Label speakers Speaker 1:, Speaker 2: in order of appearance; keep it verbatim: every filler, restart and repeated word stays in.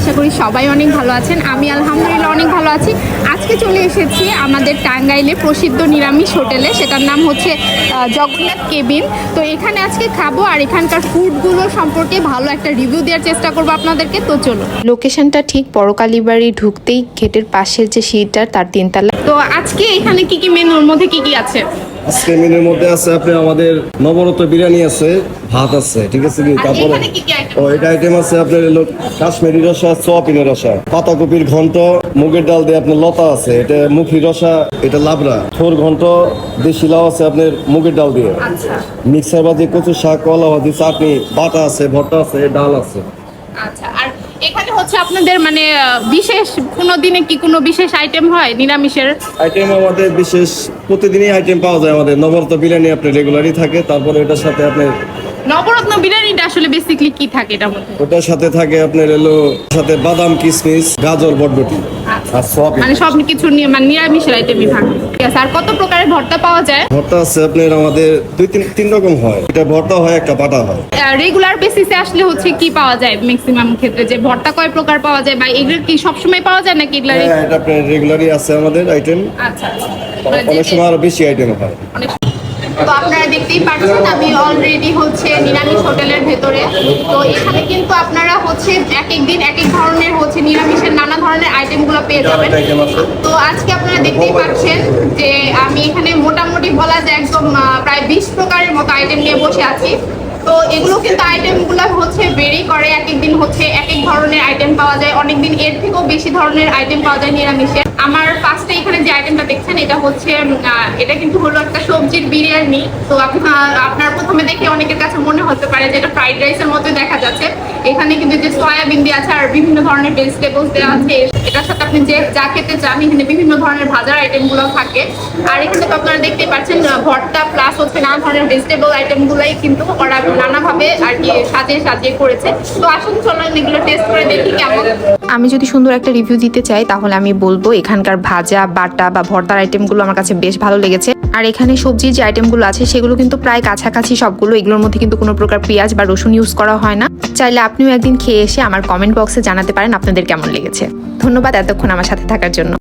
Speaker 1: আশা করি সবাই অনেক ভালো আছেন। আমি আলহামদুলিল্লাহ অনেক ভালো আছি। আজকে চলে এসেছি আমাদের টাঙ্গাইলে প্রসিদ্ধ নিরামিষ হোটেলে, সেটার নাম হচ্ছে জগন্নাথ কেবিন। তো এখানে আজকে খাবো আর এখানকার ফুডগুলো সম্পর্কে ভালো একটা রিভিউ দেওয়ার চেষ্টা করবো আপনাদেরকে। তো চলো,
Speaker 2: লোকেশনটা ঠিক পরকালীবাড়ি ঢুকতেই গেটের পাশের যে সিঁড়িটা তার তিনতলা।
Speaker 1: তো আজকে এখানে কি কি মেনুর মধ্যে কি কি আছে?
Speaker 3: আজকে মেনুর মধ্যে আছে আপনি আমাদের নবরত্ন বিরিয়ানি আছে, ভাত আছে, ঠিক আছে কি, তারপরে
Speaker 1: এখানে কি কি আইটেম?
Speaker 3: ও এটা আইটেম আছে আপনার হলো কাশ্মীরি রসা, সোয়াবিনের রসা, পাতাকপির ঘন্ট, মুগের ডাল দিয়ে আপনার লতা আছে, এটা মুখি রসা, এটা লাবড়া, থোর ঘন্ট, দেশি লাউ আছে আপনার মুগের ডাল দিয়ে,
Speaker 1: আচ্ছা
Speaker 3: মিক্সার ভাজি, কচু শাক, কলা ভাজি, চাটনি, বাটা আছে, ভর্তা আছে, ডাল আছে।
Speaker 1: আচ্ছা, আর এখানে হচ্ছে আপনাদের মানে আহ, বিশেষ কোনো দিনে কি কোনো বিশেষ আইটেম হয় নিরামিষের?
Speaker 3: আইটেম আমাদের বিশেষ প্রতিদিনই আইটেম পাওয়া যায়। আমাদের নবরত্ন বিরিয়ানি আপনার রেগুলারই থাকে। তারপরে এটার সাথে আপনার
Speaker 1: নবরত্ন বিরিয়ানিটা আসলে বেসিক্যালি কি থাকে এটার মধ্যে?
Speaker 3: ওটার সাথে থাকে আপনার এলো সাথে বাদাম, কিশমিশ, গাজর, বটবটি আর সোয়াবিন।
Speaker 1: মানে সব কিছু নিয়ে মানে নিরামিষের আইটেমই থাকে। ঠিক আছে, আর কত প্রকারের ভর্তা পাওয়া যায়?
Speaker 3: ভর্তা আছে আপনার আমাদের দুই তিন তিন রকম হয়, এটা ভর্তা হয়, একটা বাটা হয়।
Speaker 1: রেগুলার বেসিসে আসলে হচ্ছে কি পাওয়া যায় ম্যাক্সিমাম ক্ষেত্রে, যে ভর্তা কয় প্রকার পাওয়া যায় বা এগুলো কি সবসময় পাওয়া যায় নাকি এগুলো?
Speaker 3: হ্যাঁ, এটা আপনার রেগুলারই আছে আমাদের আইটেম।
Speaker 1: আচ্ছা, মানে
Speaker 3: অনেক সময় আরো বেশি আইটেম হয়।
Speaker 1: অনেক- তো আপনারা দেখতেই পাচ্ছেন আমি অলরেডি হচ্ছে নিরামিষ হোটেলের ভেতরে। তো এখানে কিন্তু আপনারা হচ্ছে এক এক দিন এক এক ধরনের হচ্ছে নিরামিষের নানা ধরনের আইটেমগুলো পেয়ে যাবেন। তো আজকে আপনারা দেখতেই পাচ্ছেন যে আমি এখানে মোটামুটি বলা যায় একদম আহ, প্রায় বিশ প্রকারের মতো আইটেম নিয়ে বসে আছি। তো এগুলো কিন্তু আইটেমগুলো হচ্ছে ভেরি করে, এক এক দিন হচ্ছে এক এক ধরনের আইটেম পাওয়া যায়, অনেক দিন এর থেকেও বেশি ধরনের আইটেম পাওয়া যায় নিরামিষের। আমার ফার্স্টে এখানে যে আইটেমটা দেখছেন এটা হচ্ছে আহ, এটা কিন্তু হলো একটা সবজির বিরিয়ানি। তো আপনার আপনার প্রথমে দেখে অনেকের কাছে মনে হতে পারে যে এটা ফ্রাইড রাইসের মতো দেখা যাচ্ছে। এখানে কিন্তু যে সয়াবিন দেওয়া আছে আর বিভিন্ন ধরনের ভেজিটেবলস দেওয়া আছে। এটার সাথে আপনি যে যা খেতে চান এখানে বিভিন্ন ধরনের ভাজার আইটেমগুলো থাকে। আর এখানে তো আপনারা দেখতেই পাচ্ছেন আহ, ভর্তা প্লাস হচ্ছে নানা ধরনের ভেজিটেবল আইটেমগুলোই কিন্তু ওরা নানাভাবে আর কি সাজিয়ে সাজিয়ে করেছে। তো আসুন চলুন এগুলো টেস্ট করে দেখি কেমন।
Speaker 2: আমি যদি সুন্দর একটা রিভিউ দিতে চাই তাহলে আমি বলবো এখানকার ভাজা, বাটা বা ভর্তার আইটেমগুলো আমার কাছে বেশ ভালো লেগেছে। আর এখানে সবজির যে আইটেমগুলো আছে সেগুলো কিন্তু প্রায় কাছাকাছি সবগুলো। এগুলোর মধ্যে কিন্তু কোনো প্রকার পেঁয়াজ বা রসুন ইউজ করা হয় না। চাইলে আপনিও একদিন খেয়ে এসে আমার কমেন্ট বক্সে জানাতে পারেন আপনাদের কেমন লেগেছে। ধন্যবাদ এতক্ষণ আমার সাথে থাকার জন্য।